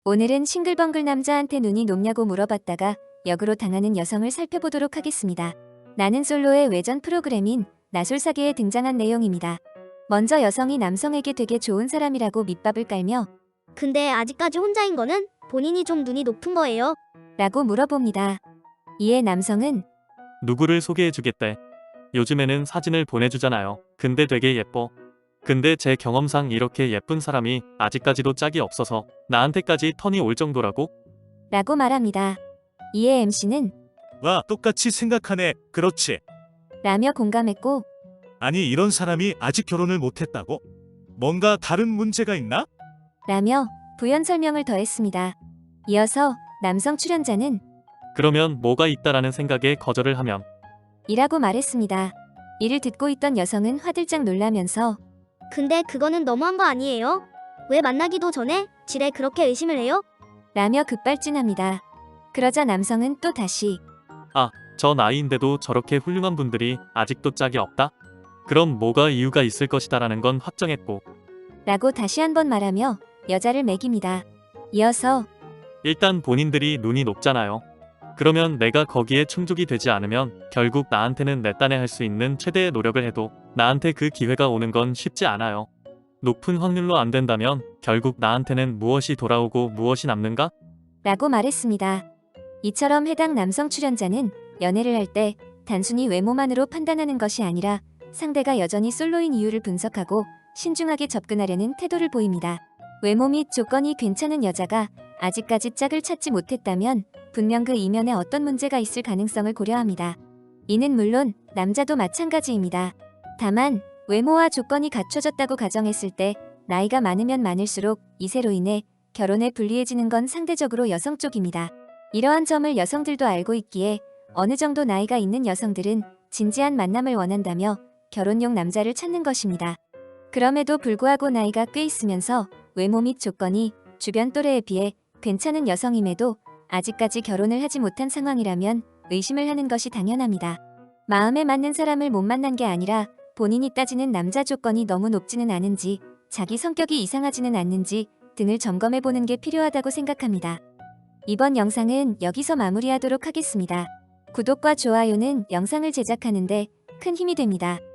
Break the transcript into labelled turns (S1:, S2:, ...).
S1: 오늘은 싱글벙글 남자한테 눈이 높냐고 물어봤다가 역으로 당하는 여성을 살펴보도록 하겠습니다. 나는 솔로의 외전 프로그램인 나솔사계에 등장한 내용입니다. 먼저 여성이 남성에게 되게 좋은 사람이라고 밑밥을 깔며
S2: 근데 아직까지 혼자인 거는 본인이 좀 눈이 높은 거예요.
S1: 라고 물어봅니다. 이에 남성은
S3: 누구를 소개해주겠대. 요즘에는 사진을 보내주잖아요. 근데 되게 예뻐. 근데 제 경험상 이렇게 예쁜 사람이 아직까지도 짝이 없어서 나한테까지 턴이 올 정도라고?
S1: 라고 말합니다. 이에 MC는
S4: 와, 똑같이 생각하네. 그렇지.
S1: 라며 공감했고
S4: 아니, 이런 사람이 아직 결혼을 못했다고? 뭔가 다른 문제가 있나?
S1: 라며 부연 설명을 더했습니다. 이어서 남성 출연자는
S3: 그러면 뭐가 있다라는 생각에 거절을 하면
S1: 이라고 말했습니다. 이를 듣고 있던 여성은 화들짝 놀라면서
S2: 근데 그거는 너무한 거 아니에요? 왜 만나기도 전에 지레 그렇게 의심을 해요?
S1: 라며 급발진합니다. 그러자 남성은 또 다시
S3: 저 나이인데도 저렇게 훌륭한 분들이 아직도 짝이 없다? 그럼 뭐가 이유가 있을 것이다라는 건 확정했고
S1: 라고 다시 한번 말하며 여자를 매깁니다. 이어서
S3: 일단 본인들이 눈이 높잖아요. 그러면 내가 거기에 충족이 되지 않으면 결국 나한테는 내 딴에 할 수 있는 최대의 노력을 해도 나한테 그 기회가 오는 건 쉽지 않아요. 높은 확률로 안 된다면 결국 나한테는 무엇이 돌아오고 무엇이 남는가?
S1: 라고 말했습니다. 이처럼 해당 남성 출연자는 연애를 할 때 단순히 외모만으로 판단하는 것이 아니라 상대가 여전히 솔로인 이유를 분석하고 신중하게 접근하려는 태도를 보입니다. 외모 및 조건이 괜찮은 여자가 아직까지 짝을 찾지 못했다면 분명 그 이면에 어떤 문제가 있을 가능성을 고려합니다. 이는 물론 남자도 마찬가지입니다. 다만 외모와 조건이 갖춰졌다고 가정했을 때 나이가 많으면 많을수록 이세로 인해 결혼에 불리해지는 건 상대적으로 여성 쪽입니다. 이러한 점을 여성들도 알고 있기에 어느 정도 나이가 있는 여성들은 진지한 만남을 원한다며 결혼용 남자를 찾는 것입니다. 그럼에도 불구하고 나이가 꽤 있으면서 외모 및 조건이 주변 또래에 비해 괜찮은 여성임에도 아직까지 결혼을 하지 못한 상황이라면 의심을 하는 것이 당연합니다. 마음에 맞는 사람을 못 만난 게 아니라 본인이 따지는 남자 조건이 너무 높지는 않은지, 자기 성격이 이상하지는 않는지 등을 점검해보는 게 필요하다고 생각합니다. 이번 영상은 여기서 마무리하도록 하겠습니다. 구독과 좋아요는 영상을 제작하는데 큰 힘이 됩니다.